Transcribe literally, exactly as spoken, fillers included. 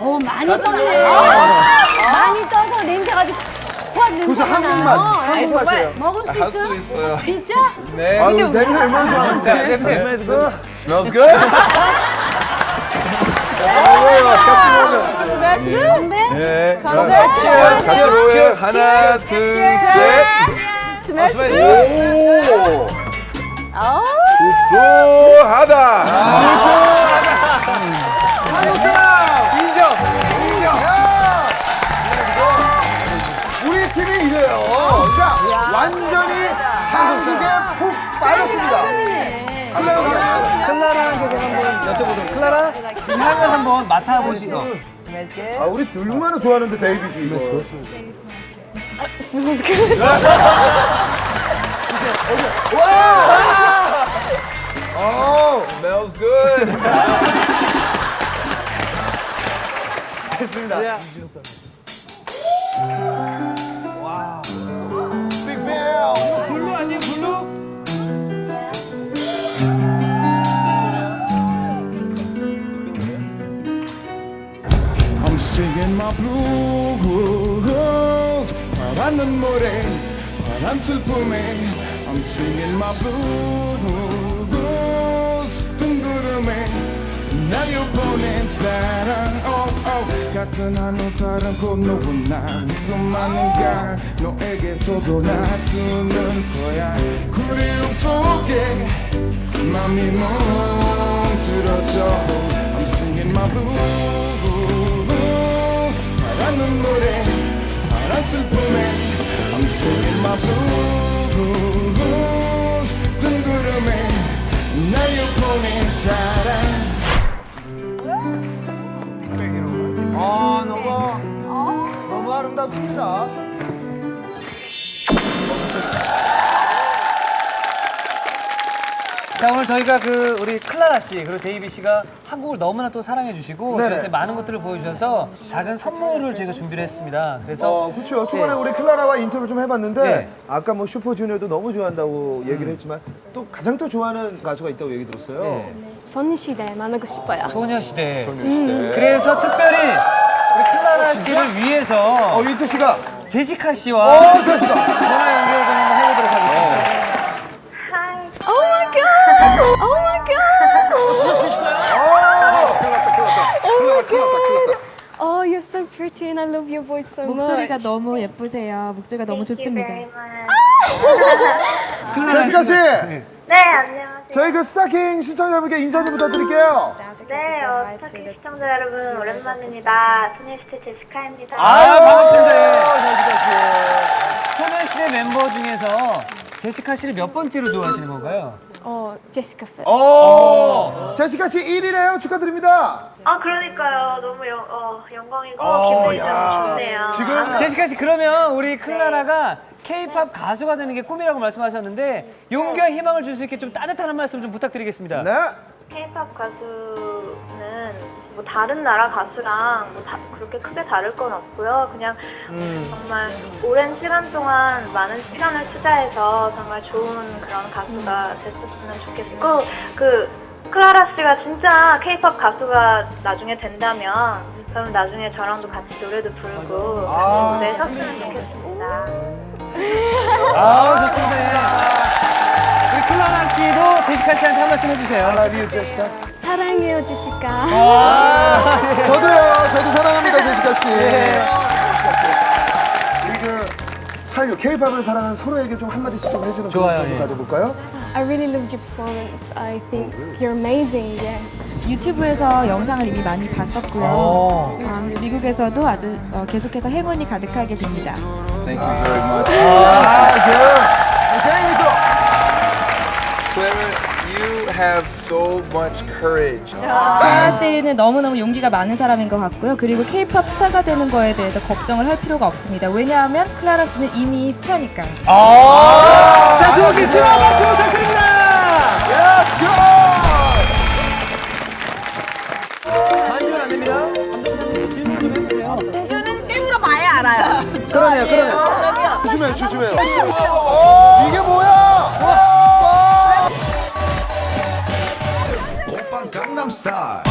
오, 많이 떴네. 많이 떠서 냄새 가지고 확 그래서 냄새가 한국 나요. 맛, 아니, 한국 정말 맛이에요. 먹을 수 할 있어요? 수 있어요. 진짜? 네. 아유, 냄새 얼마나 좋아하는데. 냄새. Smells good. Smells good? 같이 먹어요. 스베스 건배? 네. 건배? 같이 먹어요. 하나, 둘, 셋. 스베스 오! 어. 구수하다. 한국 사람! 인정. 인정. 야! 우리 팀이 이래요. 그러니까 완전히 한국에 푹 빠졌습니다. 클라라한테 제가 한번 여쭤보도록. 클라라, 이 향을 한번 맡아보시고. 아, 우리 얼마나 좋아하는데, 데이빗이 이거. 와! 어, Smells good. 됐습니다. 빅벨! 블루 아니에요, 블루? I'm singing my blues 파란 눈물에 파란 슬픔에 I'm singing my blues 둥구름에 날려 보낸 사랑 oh, oh. 같은 하늘 다른 건너고 나 위험하는가 너에게서도 놔두는 거야 그리움 속에 맘이 멈들어져 I'm singing my blues 파란 눈물에 파란 슬픔에 I'm singing my blues 둥구름에 날려 보낸 사랑 아, 너무, 너무 아름답습니다. 자, 오늘 저희가 그 우리 클라라 씨 그리고 데이비 씨가 한국을 너무나 또 사랑해 주시고 네네. 저한테 많은 것들을 보여주셔서 작은 선물을 저희가 준비를 했습니다. 그래서 어, 그렇죠. 초반에 네. 우리 클라라와 인터뷰 좀 해봤는데 네. 아까 뭐 슈퍼주니어도 너무 좋아한다고 얘기를 했지만 또 가장 또 좋아하는 가수가 있다고 얘기 들었어요. 네. 소녀시대 만나고 싶어요. 소녀시대. 그래서 특별히 우리 클라라 씨를 위해서 어, 인터 씨가 제시카 씨와 어, 제시카. 전화 연결 좀 한번 해보도록 하겠습니다. Oh my god! Oh my god! Oh my god! Oh, you're so pretty and I love your voice so much. 목소리가 너무 예쁘세요. 목소리가 너무 좋습니다. 제시카 씨, 네, 안녕하세요. 저희 그 스타킹 시청자분께 인사 좀 부탁드릴게요. 네, 어, 스타킹 시청자 여러분 오랜만입니다. 소녀시대 제시카입니다. 아, 반갑습니다. 제시카 씨. 소녀시대 멤버 중에서 제시카 씨를 몇 번째로 좋아하시는 건가요? 어, 제시카 팬. 어, 제시카 씨 일 위래요. 축하드립니다. 아, 그러니까요. 너무 영, 어, 영광이고 어, 기분이 너무 좋네요. 지금 제시카 씨 그러면 우리 클라라가 K-팝 가수가 되는 게 꿈이라고 말씀하셨는데 용기와 희망을 줄 수 있게 좀 따뜻한 한 말씀 좀 부탁드리겠습니다. 네. K-팝 가수는 뭐 다른 나라 가수랑 뭐 다, 그렇게 크게 다를 건 없고요. 그냥 정말 오랜 시간 동안 많은 시간을 투자해서 정말 좋은 그런 가수가 됐었으면 좋겠고 그 클라라 씨가 진짜 K-팝 가수가 나중에 된다면 그럼 나중에 저랑도 같이 노래도 부르고 아. 같이 무대에 섰으면 좋겠습니다. 아, 좋습니다. 우리 클라라 씨도 제시카 씨한테 한 말씀 해주세요. I love you, 제시카. 사랑해요, 제시카. 저도요. 저도 사랑합니다, 제시카 씨. 우리 그 한류 K-팝을 사랑하는 서로에게 좀 한마디씩 좀 해주는 그런 좋아요, 시간 좀 예. 가져볼까요? I really loved your performance. I think you're amazing. Yeah. 유튜브에서 영상을 이미 많이 봤었고요. 오. 아, 미국에서도 아주 어, 계속해서 행운이 가득하게 빕니다. Thank you very much. 아, 그. 굉장히 또. Clara, you have so much courage. 클라라 씨는 너무너무 용기가 많은 사람인 것 같고요. 그리고 K-팝 스타가 되는 거에 대해서 걱정을 할 필요가 없습니다. 왜냐하면 클라라 씨는 이미 스타니까요. 아, 자, 두 분께 큰 박수 부탁드립니다. Let's go! 관심은 안 됩니다. 감독님 질문 좀 해보세요. 그러네요, 그러네요. 조심해요, 조심해요. 이게 뭐야? 오빤 강남스타일